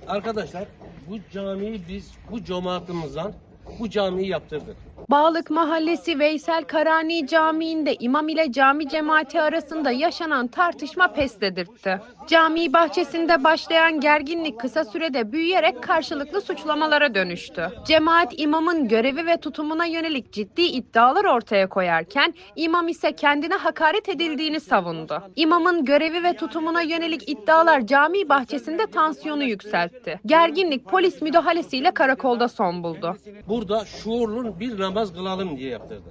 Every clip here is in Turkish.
Arkadaşlar bu camiyi biz bu cemaatimizden bu camiyi yaptırdık. Bağlık Mahallesi Veysel Karani Camii'nde imam ile cami cemaati arasında yaşanan tartışma pes dedirtti. Cami bahçesinde başlayan gerginlik kısa sürede büyüyerek karşılıklı suçlamalara dönüştü. Cemaat imamın görevi ve tutumuna yönelik ciddi iddialar ortaya koyarken imam ise kendine hakaret edildiğini savundu. İmamın görevi ve tutumuna yönelik iddialar cami bahçesinde tansiyonu yükseltti. Gerginlik polis müdahalesiyle karakolda son buldu. Burada şuurlu bir namaz kılalım diye yaptırdık.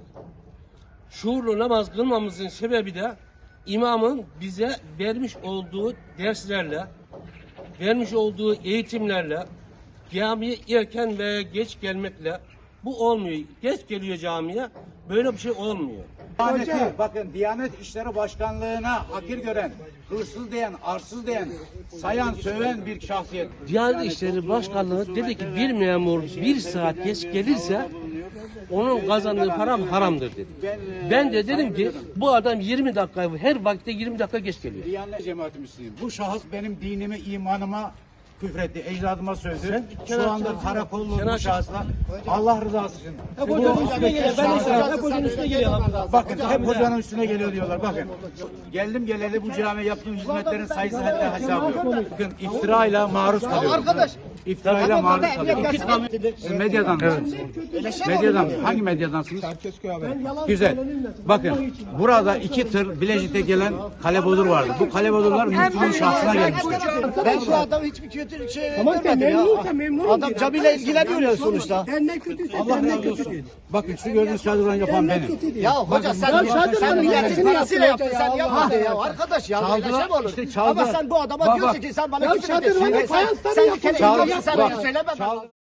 Şuurlu namaz kılmamızın sebebi de imamın bize vermiş olduğu derslerle, vermiş olduğu eğitimlerle, camiye erken veya geç gelmekle bu olmuyor. Geç geliyor camiye, böyle bir şey olmuyor. Bakın Diyanet İşleri Başkanlığı'na hakir gören, hırsız diyen, arsız diyen, sayan, söven bir şahsiyet. Diyanet İşleri Başkanlığı dedi ki bir memur bir saat geç gelirse onun kazandığı param haramdır dedi. Ben de dedim ki bu adam 20 dakika her vakitte 20 dakika geç geliyor. Diyanet cemaati Müslüman. Bu şahıs benim dinime, imanıma küfretti, ecdadıma söyledi. Şu anda karakollu bu şahısla Allah rızası için. Hep hocanın üstüne geliyor. Hep hocanın üstüne geliyor. Bakın hep hocanın üstüne geliyor diyorlar. Bakın geldim geleli bu camiye yaptığım hizmetlerin sayısı hatta hesabı yok. Bakın iftirayla maruz kalıyoruz. Arkadaş. İftirayla maruz kalıyoruz. Siz medyadan mısınız? Medyadan mı? Hangi medyadansınız? Güzel. Bakın burada 2 tır Bilecik'te gelen kalebodur vardı. Bu kalebodurlar Müslüman şahsına gelmiştir. Ben şu adam hiçbir kötü şey görmedim ya. Adam camiyle ilgileniyor ya sonuçta. Allah razı olsun. Bakın şu gördüğünüz şadırvan yapan benim. Ya hoca sen milletin parasıyla yaptın, sen yapmadın ya. Arkadaş ya böyle şey mi olur? İşte çaldı. Ama sen bu adama diyorsun ki sen bana küfür ediyorsun. Sen bir kere Çaldı. sen söyleme.